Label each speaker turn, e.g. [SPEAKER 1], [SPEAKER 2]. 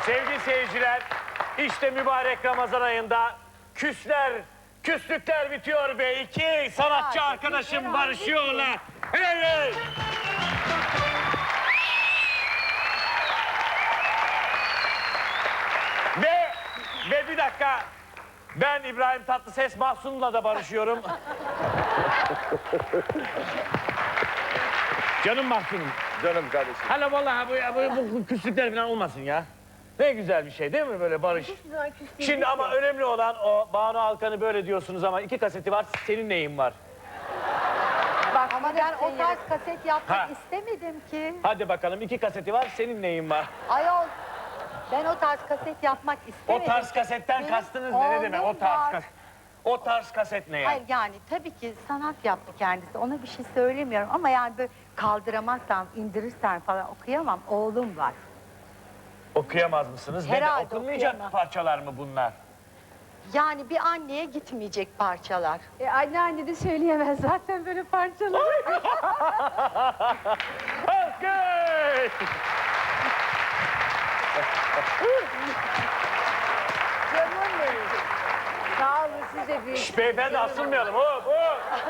[SPEAKER 1] Sevgili seyirciler, işte mübarek Ramazan ayında küslükler bitiyor ve iki sanatçı arkadaşım barışıyorlar. Evet. Ve bir dakika, ben İbrahim Tatlıses Mahsun'la da barışıyorum. Canım Mahsun'um.
[SPEAKER 2] Canım kardeşim.
[SPEAKER 1] Hala vallahi bu küslükler falan olmasın ya. Ne güzel bir şey değil mi böyle barış? Şimdi ama önemli olan o Banu Alkan'ı böyle diyorsunuz ama 2 kaseti var, senin neyin var?
[SPEAKER 3] Bak ama ben o tarz kaset yapmak istemedim ki.
[SPEAKER 1] Hadi bakalım 2 kaseti var, senin neyin var?
[SPEAKER 3] Ayol, ben o tarz kaset yapmak istemedim.
[SPEAKER 1] O tarz kasetten
[SPEAKER 3] Benim
[SPEAKER 1] kastınız ne demek?
[SPEAKER 3] oğlum var.
[SPEAKER 1] O tarz kaset ne ya?
[SPEAKER 3] Hayır yani tabii ki sanat yaptı kendisi. Ona bir şey söylemiyorum ama yani böyle kaldıramazsam, indirirsen falan okuyamam. Oğlum var.
[SPEAKER 1] Okuyamaz mısınız?
[SPEAKER 3] Herhalde
[SPEAKER 1] Okunmayacak
[SPEAKER 3] okuyamam.
[SPEAKER 1] parçalar mı bunlar?
[SPEAKER 3] Yani bir anneye gitmeyecek parçalar.
[SPEAKER 4] Anneanne de söyleyemez zaten böyle parçaları.
[SPEAKER 1] Okay.
[SPEAKER 4] Canım benim. Sağ olun size büyük.
[SPEAKER 1] Beyefendi asılmayalım. Hop hop.